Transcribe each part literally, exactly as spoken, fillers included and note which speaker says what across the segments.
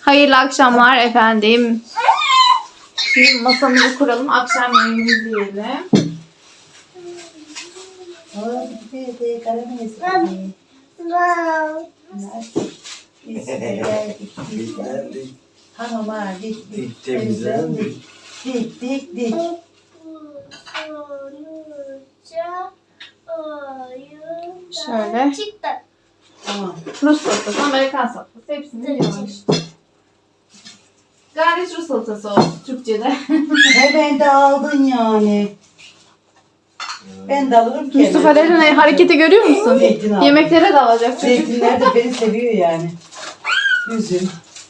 Speaker 1: Hayırlı akşamlar efendim. Şimdi masamızı kuralım. Akşam yemeğimizi yiyelim.
Speaker 2: Hamama dik dik
Speaker 3: Temizlen.
Speaker 2: dik dik dik dik.
Speaker 1: Şöyle.
Speaker 2: Tamam.
Speaker 1: Rus salatası, Amerikan salatası. Hepsini yiyorum işte. Gayet Rus salatası olsun Türkçe'de.
Speaker 2: Hemen de aldın yani. Ben de alırım ki.
Speaker 1: Mustafa Eren'in hareketi görüyor musun?
Speaker 2: Zeytin aldım.
Speaker 1: Yemeklere dalacak çocuk.
Speaker 2: Zeytinler de beni seviyor yani. Üzüm.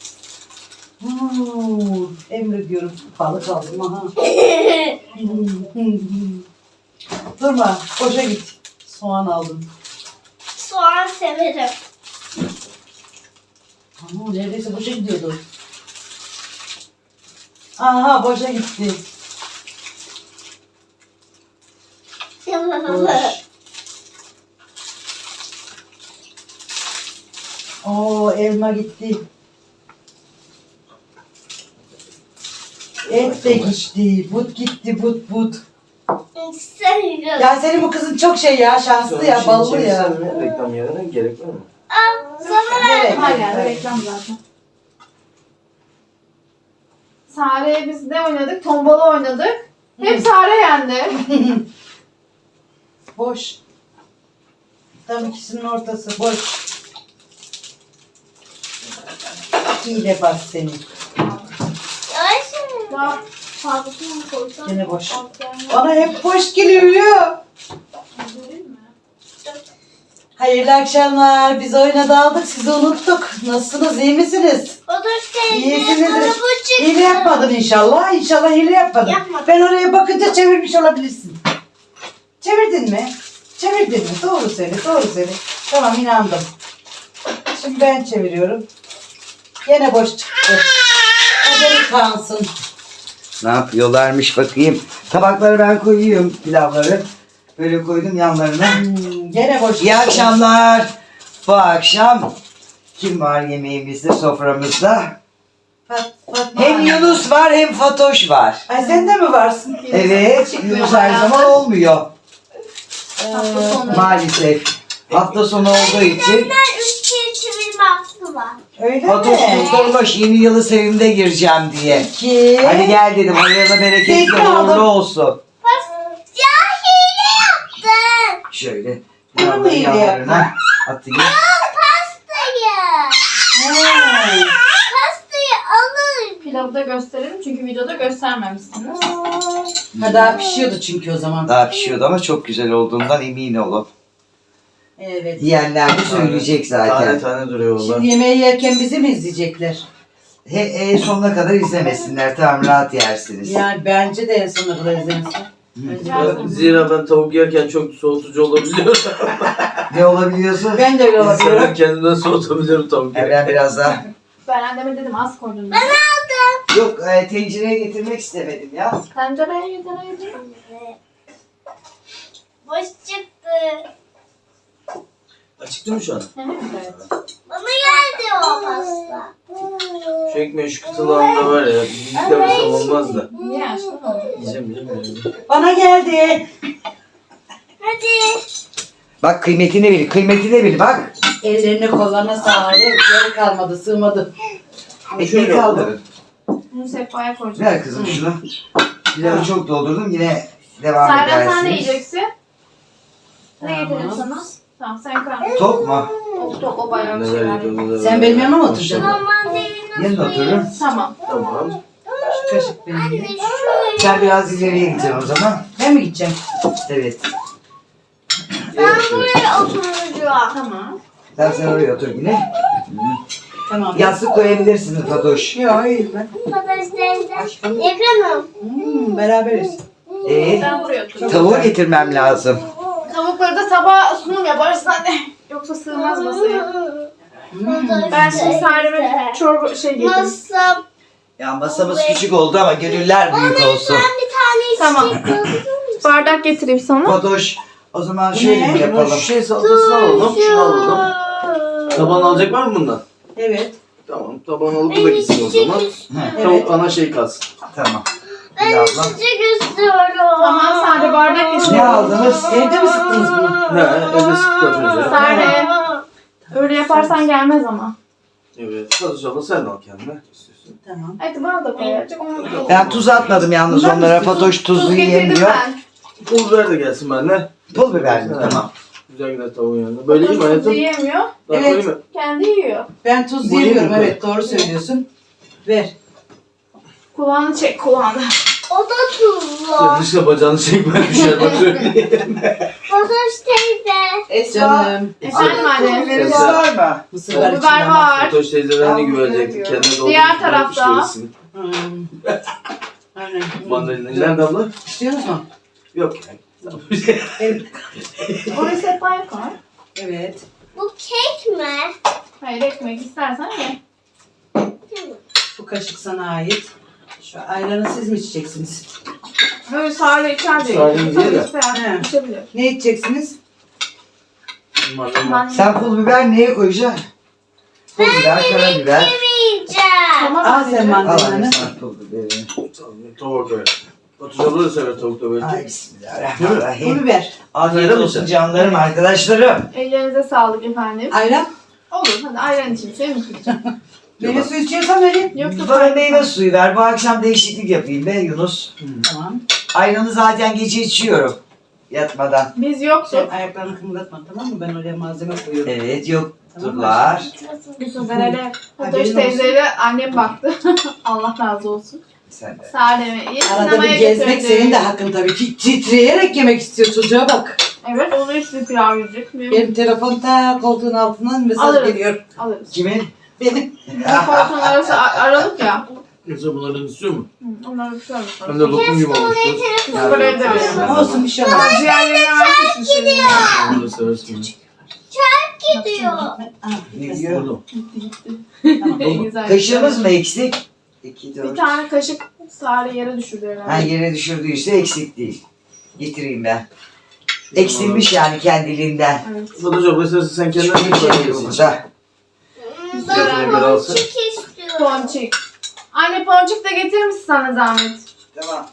Speaker 2: Hmm, Emre diyorum. Balık aldım aha. Durma. Boşa git. Soğan aldım.
Speaker 4: Soğan severim.
Speaker 2: Ama neredeyse boşa gidiyordu. Aha boşa gitti. Boş. Oo elma gitti. Et de gitti. But gitti but but.
Speaker 4: Seviyorum.
Speaker 2: Ya senin bu kızın çok şey ya şanslı ya ballı ya.
Speaker 3: Reklam yerine gerek var mı?
Speaker 4: Aa, sana ver.
Speaker 2: Evet.
Speaker 1: Hala reklam zaten. Sare'ye biz ne oynadık? Tombala oynadık. Hep Sare yendi.
Speaker 2: Boş. Tam ikisinin ortası boş. İyi bas seni.
Speaker 4: Yavaş mı?
Speaker 1: Daha fazlasını mı koysam?
Speaker 2: Gene boş. Bana hep boş geliyor. Hayırlı akşamlar. Biz oyuna daldık. Sizi unuttuk. Nasılsınız? İyi misiniz?
Speaker 4: Otur teyze.
Speaker 2: İyisinizdir.
Speaker 4: Bana bu çıktı.
Speaker 2: Hile yapmadın inşallah. İnşallah hile yapmadın.
Speaker 4: Yapmadım.
Speaker 2: Ben oraya bakınca çevirmiş olabilirsin. Çevirdin mi? Çevirdin mi? Doğru söyle. Doğru söyle. Tamam inandım. Şimdi ben çeviriyorum. Gene boş çıktı. Haberi kalsın.
Speaker 5: Ne yapıyorlarmış bakayım. Tabakları ben koyuyorum, pilavları. Böyle koydum yanlarına.
Speaker 2: Hmm, gene boş
Speaker 5: İyi
Speaker 2: çıktı.
Speaker 5: akşamlar. Bu akşam kim var yemeğimizde, soframızda?
Speaker 2: Fat, Fatma.
Speaker 5: Hem Yunus var hem Fatoş var.
Speaker 2: Ay sen de mi varsın?
Speaker 5: Evet,
Speaker 1: Çıkmıyor
Speaker 5: Yunus her
Speaker 1: bayağıdır.
Speaker 5: zaman olmuyor.
Speaker 1: Hafta sonu.
Speaker 5: Maalesef. Hafta sonu olduğu için.
Speaker 4: Benden üç kere çevirme hakkı var.
Speaker 2: Öyle
Speaker 5: Fatoş
Speaker 2: mi?
Speaker 5: tutturmuş yeni yılı sevimde gireceğim diye.
Speaker 2: İki.
Speaker 5: Hadi gel dedim, hayırlı bereketli
Speaker 2: Zeytin aldım.
Speaker 5: uğurlu olsun.
Speaker 4: Ya hile yaptın.
Speaker 5: Şöyle
Speaker 2: Bunu mu
Speaker 5: pilavları
Speaker 2: iyi
Speaker 5: yanlarına atayım.
Speaker 4: Pastayı.
Speaker 2: Ha.
Speaker 4: Pastayı alın.
Speaker 1: Pilavı da gösterelim çünkü videoda göstermemişsiniz.
Speaker 2: Ha daha pişiyordu çünkü o zaman.
Speaker 5: Daha pişiyordu ama çok güzel olduğundan emin olun.
Speaker 2: Evet.
Speaker 5: Diyenler de söyleyecek
Speaker 3: Tane
Speaker 5: zaten.
Speaker 3: tane duruyor valla.
Speaker 2: Şimdi yemeği yerken bizi mi izleyecekler?
Speaker 5: He, e, sonuna kadar izlemesinler. Tamam, rahat yersiniz.
Speaker 2: Yani bence de en sonuna kadar izlensin.
Speaker 3: Ben- Zira ben tavuk yerken çok soğutucu olabiliyor.
Speaker 5: Ne olabiliyorsun?
Speaker 2: Ben de öyle
Speaker 3: İnsanlar
Speaker 2: olabiliyorum.
Speaker 3: kendimden soğutabiliyorum tavuk
Speaker 5: Yani
Speaker 3: yerken.
Speaker 5: ben biraz daha...
Speaker 1: Ben anneme dedim az koydum.
Speaker 4: Ben aldım.
Speaker 5: Yok, e, tencereye getirmek istemedim ya.
Speaker 1: Tencereye yedireydim.
Speaker 4: Boş çıktı.
Speaker 3: Açıktı mı şu an?
Speaker 1: Evet.
Speaker 4: Bana geldi o pasta.
Speaker 3: Şu ekmeği şu kıtılağında var ya. Bir demesem olmaz da.
Speaker 1: Niye açtın onu?
Speaker 3: Yiyeceğim yiyeceğim yiyeceğim.
Speaker 2: Bana geldi.
Speaker 4: Hadi.
Speaker 5: Bak kıymetini bil, kıymetini bil bak.
Speaker 2: Ellerine kollarına sağlık. Yeri kalmadı, sığmadı.
Speaker 5: Ekmeği kaldırın.
Speaker 1: Bunu sehpaya koyacağım.
Speaker 5: Ver kızım şunu. Pilavı çok doldurdum, yine devam
Speaker 1: Serden
Speaker 5: edersiniz.
Speaker 1: sen ne yiyeceksin? Ne
Speaker 2: Tamam.
Speaker 1: getireyim sana? Tamam sen kal.
Speaker 5: Tok mu?
Speaker 1: O, o, o bayağı bir
Speaker 3: Neler
Speaker 1: şeyler.
Speaker 3: yiyeceğim neler.
Speaker 2: Sen benim yanıma mı oturacaksın?
Speaker 4: Normalde evin
Speaker 5: Yanına otururum.
Speaker 1: Tamam.
Speaker 3: Tamam.
Speaker 2: Şu kaşık benim.
Speaker 4: Anne şu.
Speaker 5: Sen biraz ileriye gideceksin o zaman.
Speaker 2: Ben mi gideceğim?
Speaker 5: Evet.
Speaker 4: Ben buraya oturacağım.
Speaker 1: Tamam.
Speaker 5: Sen sen oraya otur yine.
Speaker 2: Tamam.
Speaker 5: Yastık koyabilirsiniz Fatoş.
Speaker 2: Yok hayır ben.
Speaker 4: Patates teyze. Yakınım.
Speaker 2: Hmm, beraberiz.
Speaker 5: Ee,
Speaker 1: Ben buraya oturayım.
Speaker 5: tavuğu getirmem lazım.
Speaker 1: Tavukları da tabağa sunum yaparız anne. Yoksa sığmaz masaya.
Speaker 2: Hmm.
Speaker 1: Ben şimdi Sare'me çorba şey getirdim.
Speaker 4: Masam.
Speaker 5: Ya masamız küçük oldu ama gönüller büyük olsun.
Speaker 4: Ben bir tane
Speaker 1: Tamam.
Speaker 4: istedim.
Speaker 1: Bardak getireyim sana.
Speaker 5: Fatoş, o zaman şöyle
Speaker 2: Ne?
Speaker 5: mi yapalım?
Speaker 3: Şu şey salatasını alalım. Şunu alalım. Tabağını alacak var mı bundan?
Speaker 2: Evet.
Speaker 3: Tamam taban alıp bu da gitsin o zaman. Tavuk ana şey kalsın.
Speaker 5: Tamam.
Speaker 4: Ben
Speaker 5: Pilavla.
Speaker 4: içecek istiyorum.
Speaker 1: Tamam sade bardak getir.
Speaker 5: Ne aldınız?
Speaker 2: Evde mi sıktınız bunu?
Speaker 3: He evde sıktık az önce.
Speaker 1: Sade. Öyle yaparsan gelmez ama.
Speaker 3: Evet. Fatoş abla sen de al kendine. İstiyorsun.
Speaker 2: Tamam.
Speaker 1: Hadi bana da koy artık.
Speaker 5: Ben tuz atmadım yalnız onlara. Fatoş tuzlu
Speaker 1: Tuz getirdim
Speaker 5: yemiyor.
Speaker 1: ben.
Speaker 3: Pul biber de gelsin benimle.
Speaker 5: Pul biber mi?
Speaker 3: Evet.
Speaker 5: Tamam.
Speaker 3: Güzel gider tavuğun yanında. Böyle iyi mi
Speaker 1: Tuz
Speaker 3: hayatım?
Speaker 1: yiyemiyor.
Speaker 3: Daha
Speaker 2: Evet.
Speaker 3: koyayım mı?
Speaker 1: Kendi yiyor.
Speaker 2: Ben tuz
Speaker 3: Bu iyi
Speaker 2: yemiyorum.
Speaker 3: mi?
Speaker 2: Evet doğru söylüyorsun. Ver.
Speaker 1: Kulağını çek kulağını.
Speaker 4: O da tuzlu.
Speaker 3: Yanlışla bacağını çekme düşer bak söyleyeyim.
Speaker 4: Fatoş teyze.
Speaker 2: Esra. Canım.
Speaker 1: Efendim anne.
Speaker 5: Biberimiz var mı?
Speaker 2: Mısır var
Speaker 1: Biber
Speaker 2: içinde ama.
Speaker 1: var.
Speaker 3: Fatoş teyzeden ne güvenecektik kendine doğru.
Speaker 1: Diğer tarafta.
Speaker 2: Hmm. Aynen.
Speaker 3: Mandalina. Nerede abla?
Speaker 2: İstiyorsunuz mu?
Speaker 3: Yok yani. Tamam.
Speaker 2: Evet.
Speaker 1: Oraya sehpaya koy.
Speaker 2: Evet.
Speaker 4: Bu kek mi?
Speaker 1: Hayır ekmek istersen ye.
Speaker 2: Bu kaşık sana ait. Şu ayranı siz mi içeceksiniz?
Speaker 1: Böyle sade içer de.
Speaker 3: Sade mi diye de.
Speaker 1: İsteyen içebilir.
Speaker 2: Ne içeceksiniz?
Speaker 3: Mandalina.
Speaker 5: Sen pul biber neye koyacaksın? Pul biber, karabiber.
Speaker 4: Yemeyeceğim.
Speaker 1: Tamam
Speaker 2: Al sen
Speaker 1: anneciğim.
Speaker 5: Al
Speaker 2: mandalinanı.
Speaker 5: anne sen pul biberi.
Speaker 3: Tavuk koyar. Fatoş abla da sever tavuk da
Speaker 5: Ay
Speaker 3: belki.
Speaker 2: Pul
Speaker 5: bismillahirrahmanirrahim.
Speaker 2: biber.
Speaker 5: Afiyet
Speaker 3: Verir
Speaker 5: olsun
Speaker 3: misin?
Speaker 5: canlarım, arkadaşlarım.
Speaker 1: Ellerinize sağlık efendim.
Speaker 2: Ayran.
Speaker 1: Olur hadi ayran için şey mi içeceğim?
Speaker 2: Meyve suyu içiyorsan vereyim.
Speaker 1: Yok yok.
Speaker 5: Bana meyve suyu ver. Bu akşam değişiklik yapayım be Yunus.
Speaker 2: Tamam.
Speaker 5: Ayranı zaten gece içiyorum. Yatmadan.
Speaker 1: Biz
Speaker 2: Sen
Speaker 1: yoktuk.
Speaker 2: ayaklarını kımıldatma tamam mı? Ben oraya malzeme koyuyorum.
Speaker 5: Evet yokturlar.
Speaker 1: Yusuf Erel'e. Fatoş
Speaker 2: Haberin
Speaker 1: teyzeyle annem baktı. Allah razı olsun.
Speaker 5: Sen de.
Speaker 1: Sade iyi
Speaker 2: Arada
Speaker 1: sinemaya
Speaker 2: bir gezmek
Speaker 1: götürdü.
Speaker 2: senin de hakkın tabii ki. Titreyerek yemek istiyor çocuğa bak.
Speaker 1: Evet onu işte pilav yiyecek. Benim
Speaker 2: Benim telefon ta koltuğun altından mesaj
Speaker 1: Alırım.
Speaker 2: geliyor.
Speaker 1: alırız.
Speaker 5: Kimin?
Speaker 2: Benim.
Speaker 1: Bu koltuğun arası a- aralık ya.
Speaker 3: Yoksa bunlardan istiyor mu?
Speaker 1: Hı, onları tutar mısın?
Speaker 3: Hem de lokum gibi olmuştur.
Speaker 1: Kız buraya da verin.
Speaker 2: Olsun bir şey olmaz.
Speaker 1: Ciğerlerini vermiş misin?
Speaker 3: Onu da seversin.
Speaker 4: Gidiyor.
Speaker 5: Ne diyor?
Speaker 3: Burada.
Speaker 1: En güzel.
Speaker 5: Kaşığımız mı eksik? İki,
Speaker 1: Bir
Speaker 5: dört.
Speaker 1: tane kaşık Sare yere düşürdü
Speaker 5: Ha
Speaker 1: herhalde.
Speaker 5: yere düşürdüyse eksik değil. Getireyim ben. Eksilmiş yani kendiliğinden.
Speaker 1: Evet.
Speaker 3: Fatoş abla istersen sen kendine
Speaker 5: Küçük
Speaker 3: bir
Speaker 5: bir şey
Speaker 3: parça
Speaker 5: bu
Speaker 3: yesin.
Speaker 5: burada.
Speaker 3: Zeytine göre alsın.
Speaker 4: Ponçik istiyorum.
Speaker 1: Ponçik. Anne ponçik de getirir misin sana zahmet?
Speaker 5: Tamam.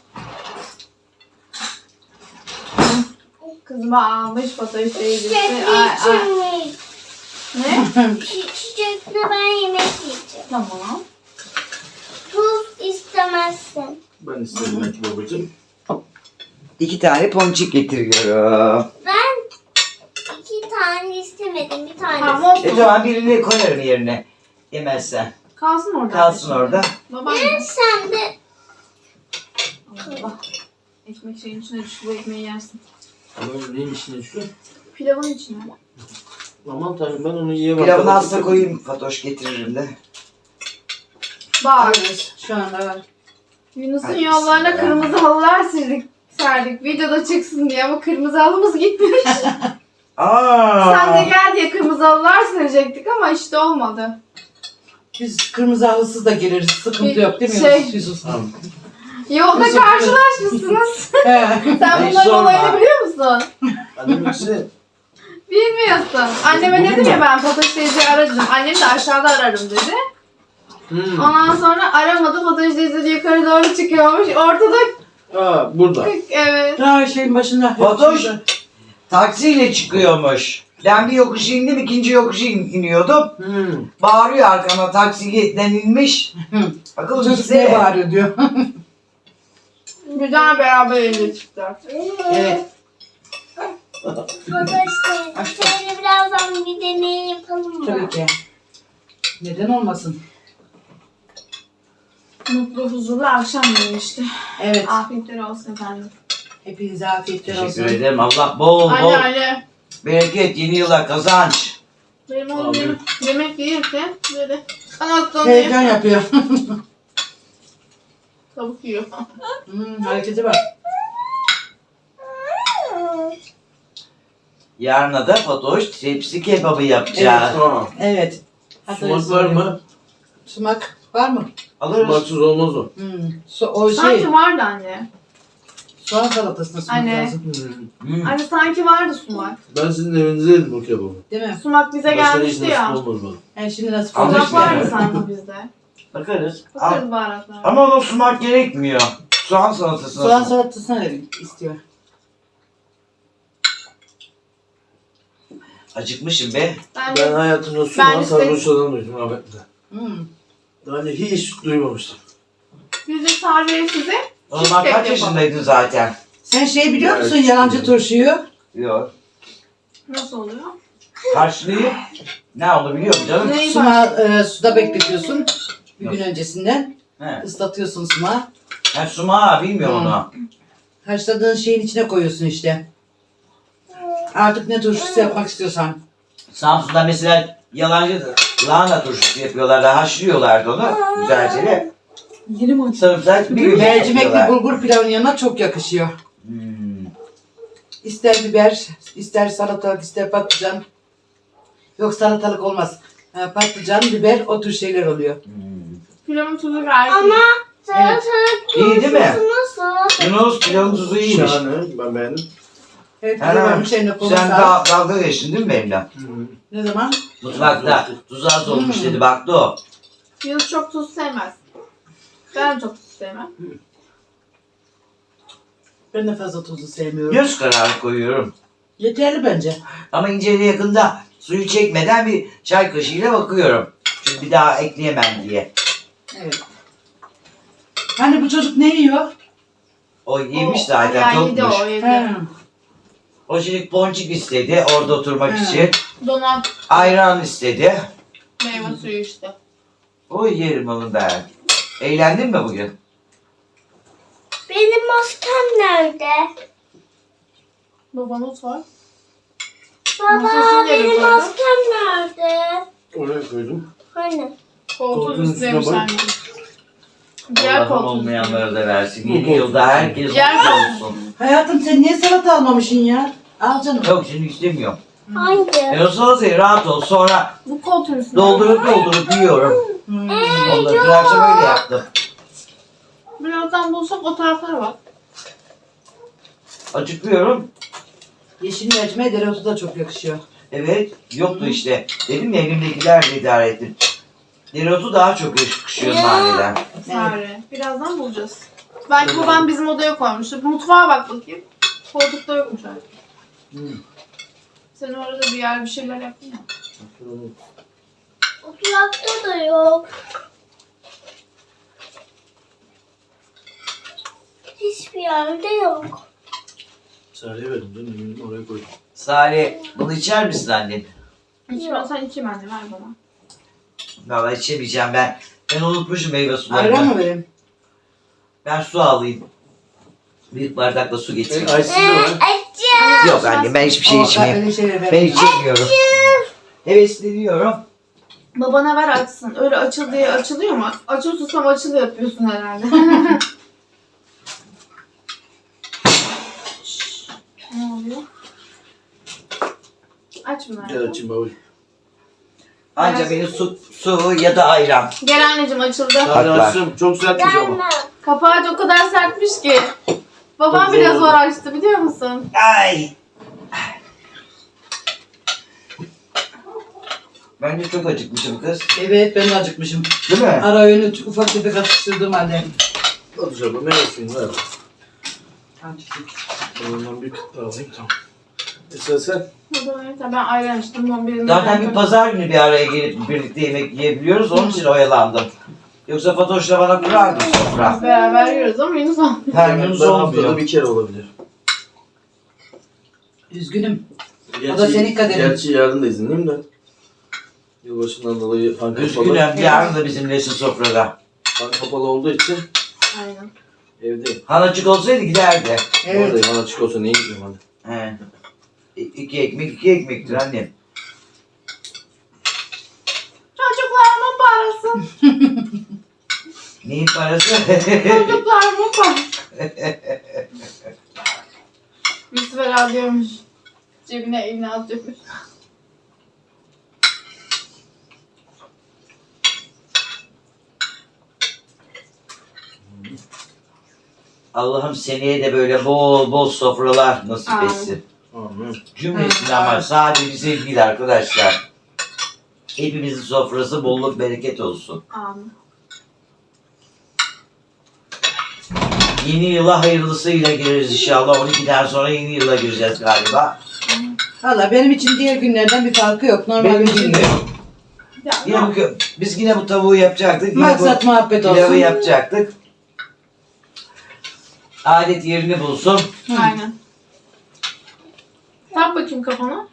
Speaker 1: Kızıma almış Fatoş teyzesi.
Speaker 4: Çiçekli
Speaker 1: Ay, ay.
Speaker 4: içecek.
Speaker 1: Ne?
Speaker 4: Çiçekli ben yemek yiyeceğim.
Speaker 1: Tamam.
Speaker 4: Tuz istemezsin.
Speaker 3: Ben isterim belki babacığım.
Speaker 5: İki tane ponçik getiriyorum.
Speaker 4: Ben iki tane istemedim. Bir tane.
Speaker 1: Tamam olsun.
Speaker 5: E tamam birini koyarım yerine. Yemezsen.
Speaker 1: Kalsın orada.
Speaker 5: Kalsın orada.
Speaker 1: Babaanne.
Speaker 4: Sen de
Speaker 1: Allah. Ekmek şeyin içine düştü. Bu ekmeği yersin.
Speaker 3: Ama neyin içine şu?
Speaker 1: Pilavın içine.
Speaker 3: Aman tanrım ben onu yiyemem.
Speaker 5: Pilavını hasta koyayım. Fatoş getiririm de.
Speaker 1: Bak.
Speaker 2: Şu anda var.
Speaker 1: Yunus'un
Speaker 5: Ay,
Speaker 1: yollarına
Speaker 5: bismillah.
Speaker 1: kırmızı halılar serdik. serdik. Videoda çıksın diye ama kırmızı halımız gitmemiş.
Speaker 5: Aa.
Speaker 1: Sen de gel diye kırmızı halılar serecektik ama işte olmadı.
Speaker 2: Biz kırmızı halısız da geliriz. Sıkıntı yok değil mi
Speaker 1: Şey-
Speaker 2: Yunus? Yusuf?
Speaker 3: Tamam.
Speaker 1: Yolda
Speaker 2: Yusuf-
Speaker 1: karşılaşmışsınız.
Speaker 2: He.
Speaker 1: Sen
Speaker 5: Ay,
Speaker 1: bunların
Speaker 5: sorma.
Speaker 1: olayını biliyor musun?
Speaker 3: Annem ikisi.
Speaker 1: Bilmiyorsun. Anneme
Speaker 3: Bugün
Speaker 1: dedim
Speaker 3: mü?
Speaker 1: ya ben Fatoş teyzeyi aradım. Annem de aşağıda ararım dedi.
Speaker 3: Hmm.
Speaker 1: Ondan sonra aramadı. Fatoş teyze de yukarı doğru çıkıyormuş. Ortada
Speaker 3: Aa burada.
Speaker 1: kırk evet.
Speaker 2: Daha şeyin başında.
Speaker 5: Fatoş taksiyle çıkıyormuş. Ben bir yokuş indim, ikinci yokuşu in- iniyordum.
Speaker 3: Hmm.
Speaker 5: Bağırıyor arkama taksiden inmiş. Akıllı
Speaker 2: Çocuk
Speaker 5: bize.
Speaker 2: neye bağırıyor diyor.
Speaker 1: Güzel beraber evde çıktılar.
Speaker 2: Evet.
Speaker 4: Fatoş teyze. Şöyle birazdan bir deney yapalım mı?
Speaker 2: Tabii ki. Neden olmasın?
Speaker 1: Mutlu, huzurlu akşam yemeği işte.
Speaker 2: Evet.
Speaker 1: Afiyetler olsun efendim.
Speaker 2: Hepinize afiyetler olsun.
Speaker 5: Teşekkür ederim. Allah bol bol
Speaker 1: Anne anne.
Speaker 5: bereket, yeni yıla kazanç.
Speaker 1: Benim oğlum
Speaker 3: Abi.
Speaker 1: yemek, yemek yiyirken böyle kanatlanıyor.
Speaker 2: Heyecan yapıyor.
Speaker 1: Tavuk yiyor.
Speaker 2: hmm, hareketi var.
Speaker 5: Yarına da Fatoş tepsi kebabı yapacağız.
Speaker 3: Aa.
Speaker 2: Evet.
Speaker 3: Sumak var mı?
Speaker 2: Sumak var mı?
Speaker 5: Alırız.
Speaker 3: Sumaksız olmaz o.
Speaker 2: Hmm. Su, o şey.
Speaker 1: Sanki vardı anne.
Speaker 2: Soğan salatasına sumak
Speaker 1: Anne.
Speaker 2: lazım.
Speaker 3: Hmm.
Speaker 5: Hmm.
Speaker 1: Anne sanki vardı sumak.
Speaker 3: Ben sizin evinizde yedim o kebabı.
Speaker 2: Değil mi?
Speaker 1: Sumak bize
Speaker 3: Başka
Speaker 1: gelmişti
Speaker 3: hiç
Speaker 1: ya.
Speaker 3: nasip olmaz bana.
Speaker 2: Yani şimdi nasıl
Speaker 5: Ama
Speaker 1: Sumak
Speaker 5: işte-
Speaker 1: vardı sanki bizde.
Speaker 5: Bakarız.
Speaker 1: Bakarız baharatlara.
Speaker 5: Ama ona sumak gerekmiyor. Soğan salatasına.
Speaker 2: Soğan salatasına istiyor.
Speaker 5: Acıkmışım be.
Speaker 1: Ben,
Speaker 3: Ben
Speaker 1: de
Speaker 3: hayatımda
Speaker 1: Ben
Speaker 3: sunan
Speaker 1: işte-
Speaker 3: sarhoşlardan duydum rahmetli.
Speaker 2: Hmm.
Speaker 3: Daha önce hiç duymamıştım.
Speaker 1: biz de sadece size
Speaker 5: O zaman
Speaker 1: Cheesecake
Speaker 5: kaç
Speaker 1: yapalım.
Speaker 5: yaşındaydın zaten?
Speaker 2: Sen şey biliyor
Speaker 3: Ya,
Speaker 2: musun
Speaker 3: hiç
Speaker 2: yalancı
Speaker 3: bilmiyorum.
Speaker 2: turşuyu?
Speaker 5: Yok.
Speaker 1: nasıl oluyor?
Speaker 5: Karşılığı ne oldu biliyor musun canım?
Speaker 1: Neyi
Speaker 2: Sumağı e, suda bekletiyorsun. Bir gün öncesinden.
Speaker 5: He.
Speaker 2: Islatıyorsun sumağı.
Speaker 5: Ben sumağı bilmiyorum
Speaker 2: Hmm.
Speaker 5: onu.
Speaker 2: Haşladığın şeyin içine koyuyorsun işte. Artık ne turşusu yapmak istiyorsan.
Speaker 5: Samsun'da mesela yalancı lahana turşusu yapıyorlardı. Haşlıyorlardı onu. Güzelce de.
Speaker 1: Yeni mi
Speaker 5: Sarımsak bir biber
Speaker 2: Mercimekli
Speaker 5: yapıyorlar.
Speaker 2: bulgur pilavın yanına çok yakışıyor.
Speaker 5: Hmm.
Speaker 2: İster biber, ister salatalık, ister patlıcan. Yok salatalık olmaz. Ha, patlıcan, biber o tür şeyler oluyor.
Speaker 5: Hmm.
Speaker 1: Pilavın tuzu gayet iyi.
Speaker 4: Ama salatalık
Speaker 5: İyi değil mi?
Speaker 4: turşusu nasıl?
Speaker 5: Yunus pilavın tuzu iyiymiş.
Speaker 3: Şahane. Ben beğendim.
Speaker 2: Evet,
Speaker 5: Ha,
Speaker 2: varmış eline koluna
Speaker 5: sen
Speaker 2: sağlık.
Speaker 5: da dalga geçtin değil mi benimle?
Speaker 2: Ne zaman?
Speaker 5: Mutfakta tuzu az olmuş
Speaker 2: Hmm.
Speaker 5: dedi baktı o.
Speaker 1: Yunus çok tuz sevmez. Ben çok tuz sevmem.
Speaker 2: Ben de fazla tuzlu sevmiyorum.
Speaker 5: Göz kararı koyuyorum.
Speaker 2: Yeterli bence.
Speaker 5: Ama inceliğe yakında suyu çekmeden bir çay kaşığıyla bakıyorum. Çünkü bir daha ekleyemem diye.
Speaker 2: Evet. Hani bu çocuk ne yiyor?
Speaker 5: O yemiş
Speaker 1: O-
Speaker 5: zaten
Speaker 1: yani yedi
Speaker 5: topmuş.
Speaker 1: o yedi.
Speaker 2: He.
Speaker 5: O şimdi ponçik istedi orada oturmak
Speaker 2: He.
Speaker 5: için.
Speaker 1: Donat
Speaker 5: Ayran istedi.
Speaker 1: meyve suyu işte.
Speaker 5: O yerim onu ben. Eğlendin mi bugün?
Speaker 4: Benim maskem nerede?
Speaker 1: Babanız var.
Speaker 4: Baba
Speaker 1: Masasını yere
Speaker 4: benim
Speaker 1: koydum.
Speaker 4: maskem nerede?
Speaker 3: Oraya koydum.
Speaker 4: Hani?
Speaker 1: Koltuğun
Speaker 3: Koltuğun
Speaker 1: üstüne
Speaker 3: üstüne bak.
Speaker 1: anneciğim. Diğer
Speaker 5: Allah'ım
Speaker 1: koltuğun
Speaker 5: olmayanlara da versin.
Speaker 3: Bu
Speaker 5: Yeni
Speaker 3: koltuk.
Speaker 5: yılda herkes
Speaker 1: Diğer
Speaker 5: mutlu
Speaker 1: koltuk.
Speaker 5: olsun.
Speaker 2: Hayatım sen niye salata almamışsın ya? Al canım.
Speaker 5: Yok şimdi istemiyorum.
Speaker 4: Hangi?
Speaker 5: E o salatayı rahat ol. Sonra
Speaker 1: Bu koltuğun üstüne.
Speaker 5: doldurup doldurup yiyorum.
Speaker 2: Hmm.
Speaker 5: Onları dün akşam öyle yaptım.
Speaker 1: Birazdan bulsak o taraflara bak.
Speaker 5: Acıkıyorum.
Speaker 2: Yeşil mercimeğe dereotu da çok yakışıyor.
Speaker 5: Evet. Yoktu işte. Dedim ya elimdekilerle idare ettim. Dereotu daha çok yakışıyor naneden.
Speaker 1: Sare. Birazdan bulacağız. Belki babam bizim odaya koymuştur. Mutfağa bak bakayım. Koltukta yokmuş artık.
Speaker 3: Hmm.
Speaker 1: Sen orada bir yer bir şeyler yaptın ya.
Speaker 4: Oturakta da yok. Hiçbir yerde yok.
Speaker 3: Sarıya verdim canım. Eminim oraya koydum.
Speaker 5: Salih bunu içer misin annen?
Speaker 1: İçme sen içeyim anne ver bana.
Speaker 5: Valla içemeyeceğim ben. Ben unutmuşum meyve sularını.
Speaker 2: Ayran mı vereyim?
Speaker 5: Ben su alayım. Büyük bardakla su
Speaker 3: E,
Speaker 5: getireyim.
Speaker 3: Aysiz de var.
Speaker 4: Açım.
Speaker 5: Yok anne ben hiçbir şey
Speaker 2: O,
Speaker 5: içmeyeyim.
Speaker 2: öyle şeyler
Speaker 5: Ben
Speaker 2: vermem.
Speaker 5: içemiyorum. Hevesleniyorum.
Speaker 1: Babana ver açsın. Öyle açıl diye açılıyor mu? Açıl susam açıl yapıyorsun herhalde. Şşş, ne oluyor? Aç bunu.
Speaker 3: Gel açayım baba.
Speaker 5: Anca benim su, su ya da ayran.
Speaker 1: Gel anneciğim açıldı.
Speaker 3: Hadi
Speaker 5: Bak, bak.
Speaker 3: açtım. Çok sertmiş ama.
Speaker 4: Gelmem.
Speaker 1: Kapağı o kadar sertmiş ki. Babam
Speaker 3: Çok
Speaker 1: biraz
Speaker 3: zor
Speaker 1: zor
Speaker 3: oldu.
Speaker 1: açtı biliyor musun?
Speaker 5: Ay. Ben de çok acıkmışım kız.
Speaker 2: Evet ben de acıkmışım.
Speaker 5: Değil mi?
Speaker 2: Ara öğünü ufak tefek atıştırdım halde.
Speaker 3: Hadi canım. Meyve suyunu ver. Ondan bir kıt daha alayım tamam. Esra sen.
Speaker 1: Babam yeter. Ben ayran içtim. Ben birini
Speaker 5: Zaten bir pazar günü bir araya gelip birlikte yemek yiyebiliyoruz. Onun için oyalandım. Yoksa Fatoş'la bana kurardı sofra.
Speaker 1: Beraber yiyoruz ama Yunus almıyor.
Speaker 5: Her gün
Speaker 3: Ben haftada
Speaker 5: olmuyor.
Speaker 3: bir kere olabilir.
Speaker 2: Üzgünüm.
Speaker 3: Gerçi,
Speaker 2: O da senin kaderin.
Speaker 3: Gerçi yarın da izinliyim de. Yılbaşından dolayı fan kapalı.
Speaker 5: Üzgünüm. Yarın da bizimlesin sofrada.
Speaker 3: Fan kapalı olduğu için
Speaker 1: Aynen.
Speaker 3: evdeyim.
Speaker 5: Hanacık olsaydı giderdi.
Speaker 2: Evet.
Speaker 3: Oradayım. Bana açık olsa niye gideyim hadi.
Speaker 5: He. İ- İki ekmek iki ekmektir annem.
Speaker 1: Çocuklarımın parası.
Speaker 5: Neyin parası?
Speaker 1: Çocuklarımın parası. Müsver alıyormuş. Cebine elini atıyormuş.
Speaker 5: Allah'ım seneye de böyle bol bol sofralar nasip
Speaker 1: Amin.
Speaker 5: etsin.
Speaker 3: Amin.
Speaker 5: Cümlesine ama sadece bize değil arkadaşlar. Hepimizin sofrası bolluk bereket olsun.
Speaker 1: Amin.
Speaker 5: Yeni yıla hayırlısıyla gireriz inşallah. on ikiden sonra yeni yıla gireceğiz galiba.
Speaker 2: Valla benim için diğer günlerden bir farkı yok. Normal
Speaker 5: Benim
Speaker 2: bir
Speaker 5: için
Speaker 2: gün.
Speaker 5: de.
Speaker 1: Ya,
Speaker 5: Yine bu, biz yine bu tavuğu yapacaktık. Yine
Speaker 2: Maksat
Speaker 5: bu
Speaker 2: muhabbet
Speaker 5: pilavı
Speaker 2: olsun.
Speaker 5: yapacaktık. Adet yerini bulsun.
Speaker 1: Aynen. Tak bakayım kafana.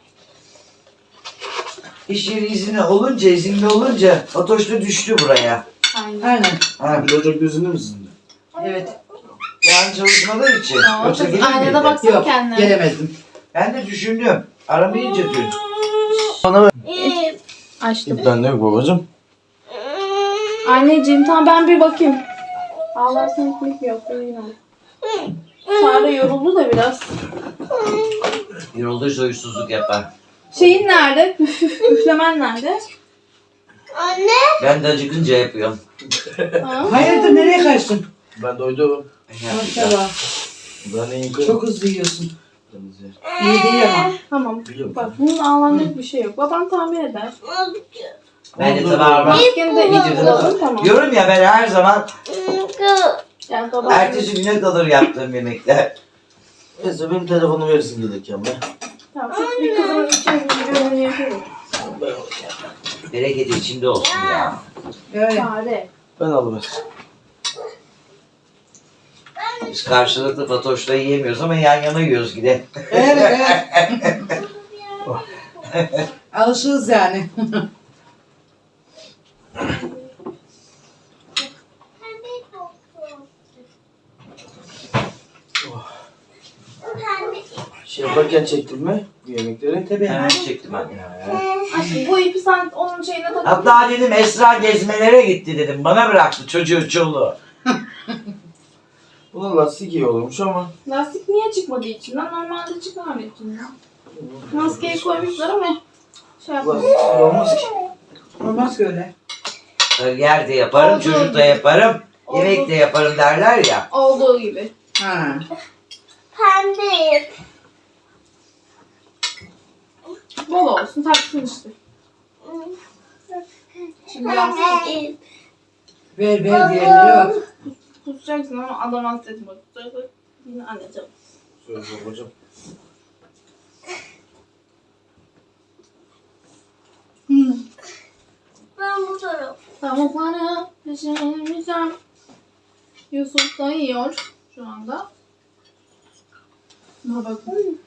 Speaker 5: İş yeri izni olunca, izinli olunca Fatoş da düştü buraya.
Speaker 1: Aynen.
Speaker 2: Aynen.
Speaker 5: Ha,
Speaker 3: Bir Ocak gözünü mü sizin?
Speaker 2: Evet.
Speaker 5: yani çalışmalar için.
Speaker 1: Aa,
Speaker 5: Yoksa
Speaker 1: kız
Speaker 5: gelir
Speaker 1: aynada
Speaker 5: miydi?
Speaker 1: baksana
Speaker 2: Yok
Speaker 1: kendine.
Speaker 2: gelemezdim.
Speaker 5: Ben de düşündüm. Aramayınca dün.
Speaker 4: Ee,
Speaker 1: Açtım.
Speaker 3: Ben de yok babacım.
Speaker 1: Anneciğim tamam ben bir bakayım. Allah seni ekmek yok. Yine. Sare yoruldu da biraz.
Speaker 5: Yorulduysa huysuzluk yapar.
Speaker 1: Şeyin nerede? Üflemen nerede?
Speaker 4: Anne.
Speaker 5: Ben de acıkınca yapıyorum.
Speaker 1: Ha?
Speaker 2: Hayırdır nereye kaçtın?
Speaker 3: Ben doydum.
Speaker 2: Maşallah.
Speaker 3: Ben iyiyim.
Speaker 2: Çok hızlı yiyorsun. İyi değil ama.
Speaker 1: Tamam.
Speaker 3: Biliyorum.
Speaker 1: Bak bunun ağlanacak bir şey yok. Babam tamir eder.
Speaker 5: Ben de tabağıma
Speaker 1: Maskeni de iyice tamam.
Speaker 5: diyorum ya ben her zaman
Speaker 1: Yani babam...
Speaker 5: ertesi güne kalır yaptığım yemekler.
Speaker 3: Neyse benim telefonu verirsin gelirken be.
Speaker 1: Tamam. Şu bir kızın için bir bölümünü yapıyorum.
Speaker 5: Bereketi içinde olsun ya.
Speaker 2: Öyle.
Speaker 1: Sare.
Speaker 3: Ben alıver.
Speaker 5: Biz karşılıklı Fatoş'la yiyemiyoruz ama yan yana yiyoruz yine.
Speaker 2: Evet evet. Alışığız yani.
Speaker 3: Şey yaparken çektin mi bu yemekleri?
Speaker 2: Tabii.
Speaker 5: Hemen çektim anne.
Speaker 1: Aşkım bu ipi sen onun şeyine tak.
Speaker 5: Hatta dedim Esra gezmelere gitti dedim. Bana bıraktı çocuğu çoluğu.
Speaker 3: Bunun lastik iyi olurmuş ama.
Speaker 1: Lastik niye çıkmadı içinden? Normalde çıkar içinden. Maskeyi koymuşlar ama şey yapmadı.
Speaker 3: Lastik iyi olmaz ki.
Speaker 2: Olmaz ki öyle.
Speaker 5: Yer de yaparım,
Speaker 1: Oldu.
Speaker 5: çocuk da yaparım,
Speaker 1: Oldu.
Speaker 5: yemek de yaparım derler ya.
Speaker 1: Olduğu gibi.
Speaker 2: Ha.
Speaker 4: Pembe.
Speaker 1: Bol olsun taksın işte. Şimdi lastik
Speaker 4: Pembe.
Speaker 2: Ver ver diğerlere bak.
Speaker 1: tutacaksın ama adam hasta etme. Tutacaksın. Yine anneciğim.
Speaker 3: Söyle babacım.
Speaker 2: Hı.
Speaker 4: Ben bu taraf.
Speaker 1: Tavukları pişirmişim. Yusuf da yiyor şu anda. Buna bakın.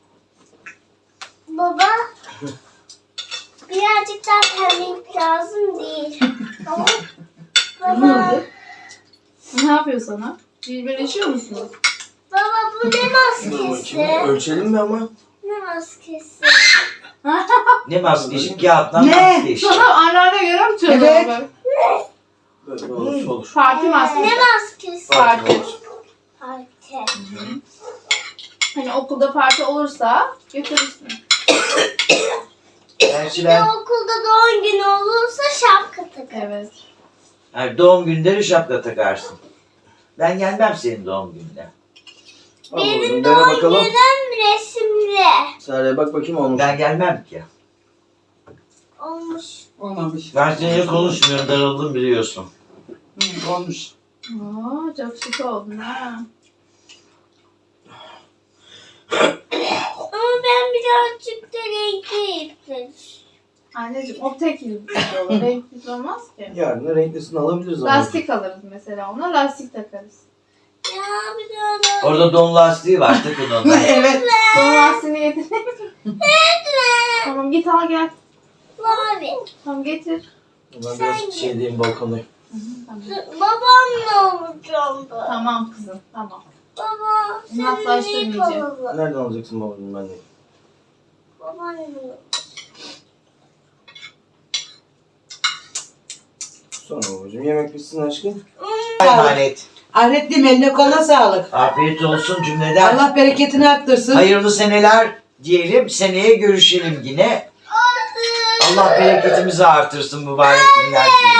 Speaker 4: Baba. Birazcık daha pembelik lazım değil. Tamam. Baba.
Speaker 1: Ne yapıyor sana? Birbirleşiyor musunuz?
Speaker 4: Baba bu ne
Speaker 3: Dur
Speaker 4: maskesi?
Speaker 3: bakayım. Ölçelim mi ama?
Speaker 4: Ne maskesi?
Speaker 5: Ne maskesi? Kağıttan
Speaker 2: Ne?
Speaker 5: maskesi.
Speaker 1: Sana anneanne göre mi çalıyor?
Speaker 2: Evet.
Speaker 1: böyle?
Speaker 3: Böyle olur olur.
Speaker 1: Parti maskesi.
Speaker 4: Ne maskesi?
Speaker 1: Parti.
Speaker 3: olur.
Speaker 4: Parti.
Speaker 1: Hani okulda parti olursa götürürsün.
Speaker 5: Gerçi
Speaker 4: Bir de
Speaker 5: ben
Speaker 4: okulda doğum günü olursa şapka takar.
Speaker 1: Evet.
Speaker 5: yani doğum günleri şapka takarsın. Ben gelmem senin doğum gününe.
Speaker 3: Al babacım.
Speaker 4: Benim
Speaker 3: Dene
Speaker 4: doğum
Speaker 3: bakalım.
Speaker 4: günüm resimli.
Speaker 3: Sarıya bak bakayım olmuş.
Speaker 5: Ben gelmem ki.
Speaker 4: Olmuş.
Speaker 2: Olmamış.
Speaker 5: Ben seninle konuşmuyorum, darıldım biliyorsun.
Speaker 2: Hı, olmuş.
Speaker 1: Aa, çok şık oldun ha.
Speaker 4: Ama ben birazcık da renkli ipler.
Speaker 1: Anneciğim o tek yüzlü olur. Renkli olmaz ki.
Speaker 3: Yarın da renklisini alabiliriz ama.
Speaker 1: Lastik alırız mesela ona. Lastik takarız.
Speaker 4: Ya bir daha
Speaker 5: Orada don lastiği var, takın onu.
Speaker 2: Evet.
Speaker 1: Son lastiğini getir. Tamam git al gel.
Speaker 4: mavi.
Speaker 1: Tamam getir.
Speaker 3: Ben biraz şey diyeyim balkondayım.
Speaker 1: Tamam.
Speaker 4: Babamla olacağım ben.
Speaker 1: Tamam kızım tamam.
Speaker 4: Baba senin ip
Speaker 1: Uzaklaştırmayacağım.
Speaker 4: alalım.
Speaker 3: Nereden alacaksın babacım ben de?
Speaker 4: Babaannem.
Speaker 3: Sonra babacım yemek bitsin aşkım.
Speaker 5: Emanet.
Speaker 2: Ahretliğim eline koluna sağlık.
Speaker 5: Afiyet olsun cümleden.
Speaker 2: Allah bereketini arttırsın.
Speaker 5: Hayırlı seneler diyelim. Seneye görüşelim yine. Allah bereketimizi artırsın mübarek günler.